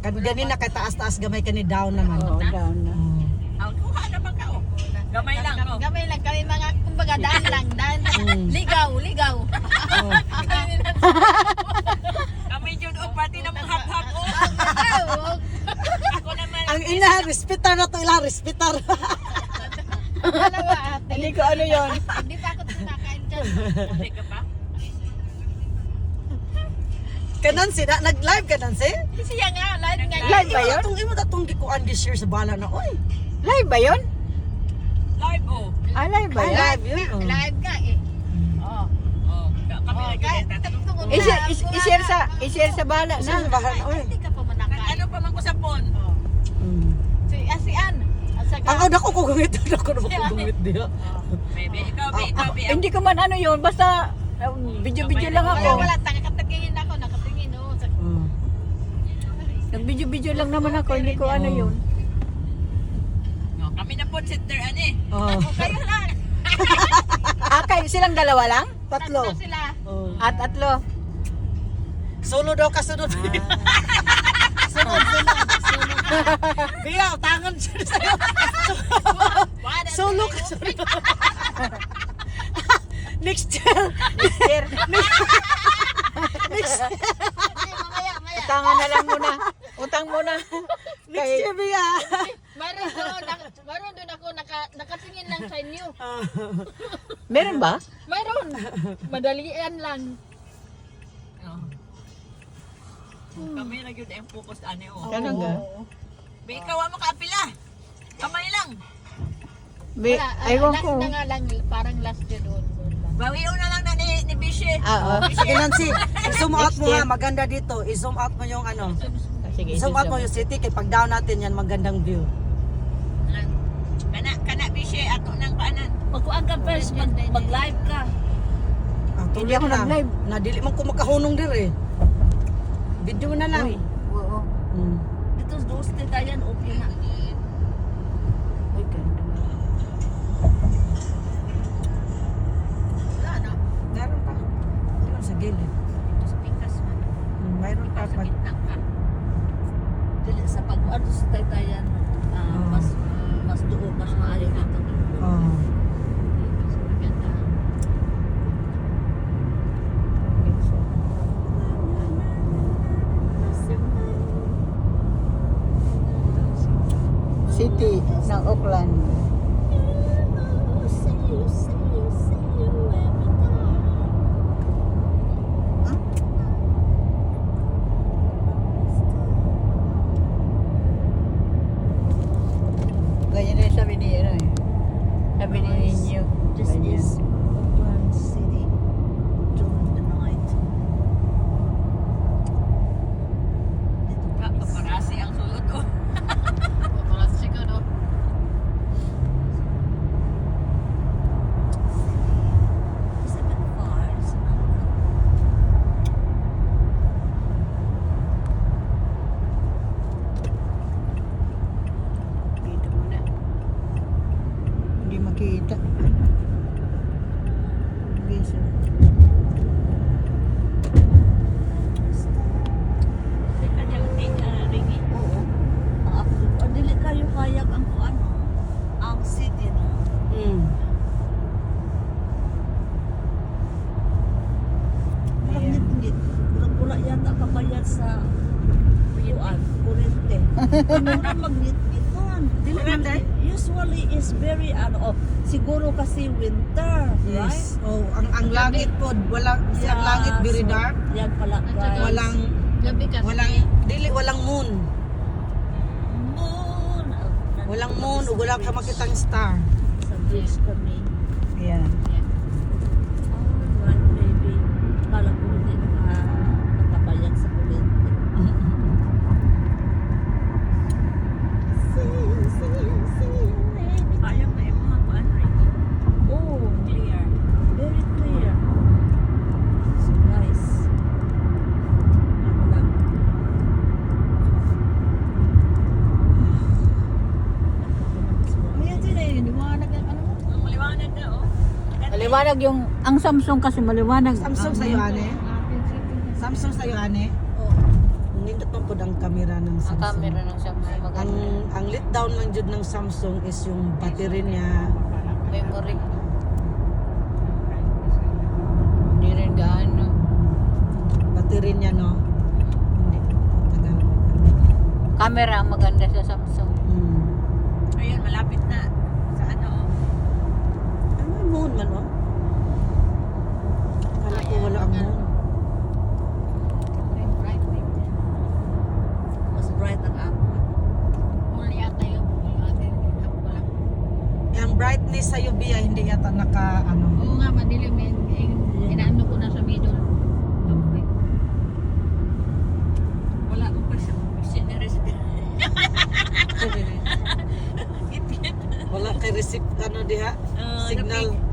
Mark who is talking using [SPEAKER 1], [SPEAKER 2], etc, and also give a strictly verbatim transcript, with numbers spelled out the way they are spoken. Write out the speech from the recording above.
[SPEAKER 1] Kan gani na kay taas-taas gamay kani down naman.
[SPEAKER 2] Oo, down na.
[SPEAKER 3] Ang kuha naman ka oh. Gamay lang oh.
[SPEAKER 4] Gamay lang kami mga kumbaga daan lang, daan.
[SPEAKER 1] Mm.
[SPEAKER 4] Ligaw, ligaw.
[SPEAKER 1] Oh.
[SPEAKER 3] Kami yun oh, pati na mga hap-hap oh. Ako naman.
[SPEAKER 1] Ang ina, respetar na to ila, respetar.
[SPEAKER 4] Ano ba ate?
[SPEAKER 2] Hindi ko ano yon.
[SPEAKER 4] Hindi pa ako kumakain dyan.
[SPEAKER 3] Hindi ka pa?
[SPEAKER 1] Kanan si na nag-live kanan si?
[SPEAKER 4] Siya nga, live nga.
[SPEAKER 2] Live ba yun?
[SPEAKER 1] Atong imo datong gikuan this year sa bala na oy.
[SPEAKER 2] Live ba yun?
[SPEAKER 3] Live oh.
[SPEAKER 2] Ah, live ba
[SPEAKER 1] Ay,
[SPEAKER 2] yun?
[SPEAKER 1] live yun. oh.
[SPEAKER 4] Live nga eh. Oo.
[SPEAKER 3] Oh, kami
[SPEAKER 4] Oh,
[SPEAKER 3] lagi
[SPEAKER 4] kahit
[SPEAKER 3] din tatanong.
[SPEAKER 4] tungkol
[SPEAKER 2] I-share,
[SPEAKER 4] na-
[SPEAKER 2] is- i-share sa, i-share sa bala
[SPEAKER 1] Sa
[SPEAKER 2] na.
[SPEAKER 1] bahala na oy.
[SPEAKER 4] Hindi ka pa manakain.
[SPEAKER 3] Ano pa man ko sa phone?
[SPEAKER 1] Mm.
[SPEAKER 4] Si, ah, si Ann. At saka,
[SPEAKER 1] Ang oda ko kugungit, ako na kugungit diha.
[SPEAKER 3] Baby, ikaw, baby, ikaw, baby.
[SPEAKER 2] Hindi ko man ano yun, basta uh, video-video lang
[SPEAKER 4] wala,
[SPEAKER 2] ako.
[SPEAKER 4] wala, nakatingin ako, nakatingin. Oh. Sa,
[SPEAKER 1] Mm.
[SPEAKER 2] Nag-video-video lang naman ako, hindi ko ano yun.
[SPEAKER 3] No, kami na po sitter ani.
[SPEAKER 1] Oh.
[SPEAKER 4] kayo lang.
[SPEAKER 2] Ah, kayo silang dalawa lang?
[SPEAKER 1] Tatlo.
[SPEAKER 4] Tatlo sila.
[SPEAKER 1] Oh.
[SPEAKER 2] At atlo.
[SPEAKER 1] Solo daw kasunod.
[SPEAKER 4] Sunod, sunod, sunod.
[SPEAKER 1] Biya, tangan siya sa'yo.
[SPEAKER 4] Wala,
[SPEAKER 1] Solo
[SPEAKER 4] sila,
[SPEAKER 1] kasunod. Next year.
[SPEAKER 2] Mister,
[SPEAKER 1] Next,
[SPEAKER 4] Hindi, mamaya, mamaya.
[SPEAKER 2] utangan na lang muna. Utang muna.
[SPEAKER 1] next year, Biya.
[SPEAKER 4] Mayroon doon, nak- mayroon doon ako naka, nakatingin lang sa inyo.
[SPEAKER 2] Meron ba?
[SPEAKER 4] Mayroon. Madalian lang.
[SPEAKER 3] Oh. Kami na yun ang focus ani oh.
[SPEAKER 2] Ganun ga?
[SPEAKER 3] Be, ikaw mo kaapila. Kamay lang.
[SPEAKER 2] Be,
[SPEAKER 4] Wala, ah,
[SPEAKER 2] aywan
[SPEAKER 4] last
[SPEAKER 2] ko.
[SPEAKER 4] na nga lang, parang last year doon. doon lang.
[SPEAKER 3] Bawiyo na lang na ni, ni Bishi.
[SPEAKER 2] Ah, oh.
[SPEAKER 1] Sige, Nancy. I-zoom out
[SPEAKER 2] Next
[SPEAKER 1] mo
[SPEAKER 2] year.
[SPEAKER 1] ha. Maganda dito. I-zoom out mo yung ano.
[SPEAKER 2] Sige,
[SPEAKER 1] I-zoom out mo yung city. Kaya pag down natin yan, magandang view.
[SPEAKER 3] Kana, kana Bishi, ato nang paanan.
[SPEAKER 4] Magkuhan ka first, mag, mag-live ka.
[SPEAKER 1] Ah,
[SPEAKER 2] Hindi
[SPEAKER 1] tuloy
[SPEAKER 2] ako
[SPEAKER 1] na.
[SPEAKER 2] nag-live.
[SPEAKER 1] Nadili man ko makahunong dir eh. Video na lang.
[SPEAKER 2] Uy, oo.
[SPEAKER 1] Hmm.
[SPEAKER 4] Dito sa doste tayo, okay na.
[SPEAKER 2] Uy, ganda.
[SPEAKER 4] Wala na.
[SPEAKER 1] Meron pa. Meron sa gilid.
[SPEAKER 4] Ito sa pikas man.
[SPEAKER 1] Hmm, mayroon pa.
[SPEAKER 4] Sa
[SPEAKER 1] Pag,
[SPEAKER 4] gitna ka. Dili sa pag-ano sa taytayan, ah,
[SPEAKER 1] Oo.
[SPEAKER 4] mas mas doon, mas maayo dito.
[SPEAKER 1] oh.
[SPEAKER 4] Mas maganda.
[SPEAKER 2] City ng Auckland. Ganyan din sabi ni ano eh. Sabi ni Ninyo.
[SPEAKER 4] This
[SPEAKER 2] Ganyan.
[SPEAKER 4] is Auckland City during the night. Dito
[SPEAKER 3] Ka, paparasi ang sulod oh.
[SPEAKER 4] Paparazzi ka, no? It's a bit far. It's not.
[SPEAKER 2] Dito muna. Hindi makita. Bisa.
[SPEAKER 3] Teka niya, uh, ringi.
[SPEAKER 4] Oo. Ang ako dito. Ah, dili kayo kayag ang ano, ang city na.
[SPEAKER 1] Hmm.
[SPEAKER 4] Parang ngit-ngit. Pula-pula yata kabayad sa piyuan, kurente. Mura mag-ngit-ngitan. Dili man
[SPEAKER 1] Kurente?
[SPEAKER 4] usually is very ano, oh, siguro kasi winter, right?
[SPEAKER 1] Yes. Oh, ang ang langit po, walang ang langit very
[SPEAKER 4] so,
[SPEAKER 1] dark.
[SPEAKER 4] Yan pala, guys.
[SPEAKER 1] Walang
[SPEAKER 4] Gabi kasi.
[SPEAKER 1] walang dili walang moon.
[SPEAKER 4] moon.
[SPEAKER 1] Walang moon ug wala ka makitang star.
[SPEAKER 4] Sa bridge kami.
[SPEAKER 1] Ayan.
[SPEAKER 4] Alright, baby. Kala ko hindi naka matabayag sa kurente.
[SPEAKER 3] Ayaw na yung mga kuan ringi.
[SPEAKER 4] Oh,
[SPEAKER 3] Clear.
[SPEAKER 4] very clear. So guys, ano lang. Ayan sila yun, liwanag ang ano mo.
[SPEAKER 3] Ang maliwanag na oh.
[SPEAKER 2] Maliwanag yung, ang Samsung kasi maliwanag.
[SPEAKER 1] Samsung
[SPEAKER 2] Ang-
[SPEAKER 1] sa'yo, ane? Samsung sa'yo, ane?
[SPEAKER 4] Oh.
[SPEAKER 1] Nindot man po ang kami camera ng
[SPEAKER 2] Ang
[SPEAKER 1] Samsung.
[SPEAKER 2] camera ng Samsung
[SPEAKER 1] Ang
[SPEAKER 2] maganda.
[SPEAKER 1] ang let down lang jud ng Samsung is yung battery niya.
[SPEAKER 2] Memory. Hindi rin gaano.
[SPEAKER 1] Battery niya no. Hindi tagal.
[SPEAKER 2] Camera ang maganda sa Samsung.
[SPEAKER 1] Hmm.
[SPEAKER 3] Ayun, malapit na. Sa ano?
[SPEAKER 1] Ay, may moon man oh. Kala ko wala ang moon.
[SPEAKER 4] Mas bright ang ako.
[SPEAKER 1] Ang brightness sa U V ay hindi yata naka ano.
[SPEAKER 5] Oo nga, madilim eh. Eh, Inaano ko na sa middle. Okay.
[SPEAKER 3] Wala akong question. Question na recipe.
[SPEAKER 1] Wala kay receipt ano diha.
[SPEAKER 3] Ah,
[SPEAKER 1] Signal.
[SPEAKER 3] napi-